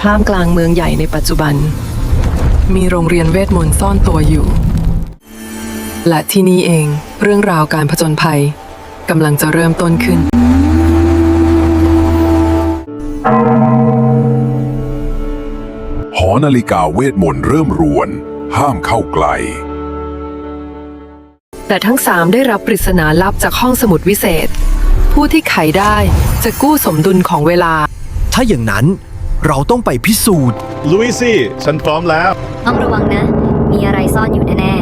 ท่ามกลางเมืองใหญ่ในปัจจุบันมีโรงเรียนเวทมนต์ซ่อนตัวอยู่และที่นี่เองเรื่องราวการผจญภัยกำลังจะเริ่มต้นขึ้นหอนาฬิกาเวทมนต์เริ่มรวน ห้ามเข้าใกล้แต่ทั้งสามได้รับปริศนาลับจากห้องสมุดวิเศษผู้ที่ไขได้จะกู้สมดุลของเวลาถ้าอย่างนั้นเราต้องไปพิสูจน์ลุยสิฉันพร้อมแล้วต้องระวังนะ มีอะไรซ่อนอยู่แน่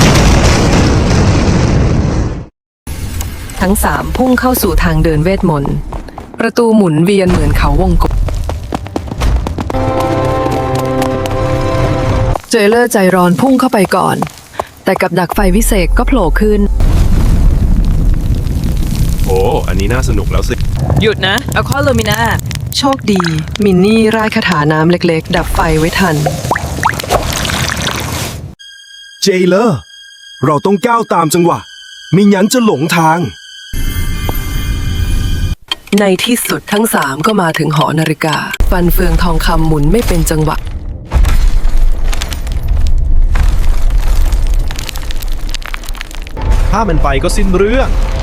ทั้งสามพุ่งเข้าสู่ทางเดินเวทมนต์ประตูหมุนเวียนเหมือนเขาวงกตเจเลอร์ใจร้อนพุ่งเข้าไปก่อนแต่กับดักไฟวิเศษก็โผล่ขึ้นโอ้อันนี้น่าสนุกแล้วสิหยุดนะเอาข้อลูมิน่าโชคดีมินนี่ร่ายคาถาน้ำเล็กๆดับไฟไว้ทันเจเลอร์เราต้องก้าวตามจังหวะไม่งั้นจะหลงทางในที่สุดทั้งสามก็มาถึงหอนาฬิกาฟันเฟืองทองคำหมุนไม่เป็นจังหวะถ้ามันไปก็สิ้นเรื่อง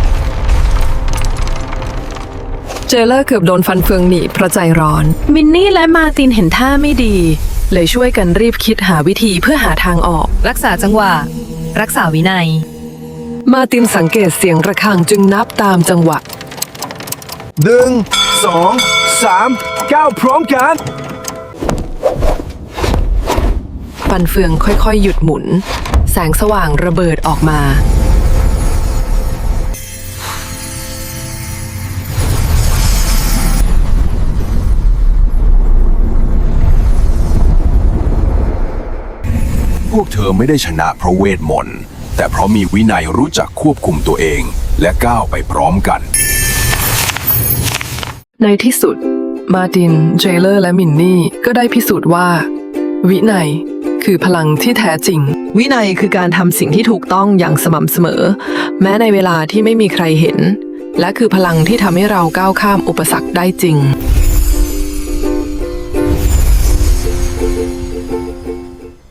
เจเลอร์เกือบโดนฟันเฟืองหนีบเพราะใจร้อนมินนี่และมาร์ตินเห็นท่าไม่ดีเลยช่วยกันรีบคิดหาวิธีเพื่อหาทางออกๆ รักษาจังหวะ รักษาวินัยมาร์ตินสังเกตเสียงระฆังจึงนับตามจังหวะ 1 2 3 9พร้อมกันฟันเฟืองค่อยๆหยุดหมุนแสงสว่างระเบิดออกมาพวกเธอไม่ได้ชนะเพราะเวทมนต์แต่เพราะมีวินัยรู้จักควบคุมตัวเองและก้าวไปพร้อมกันในที่สุดมาร์ตินเจเลอร์และมินนี่ก็ได้พิสูจน์ว่าวินัยคือพลังที่แท้จริงวินัยคือการทำสิ่งที่ถูกต้องอย่างสม่ำเสมอแม้ในเวลาที่ไม่มีใครเห็นและคือพลังที่ทำให้เราก้าวข้ามอุปสรรคได้จริง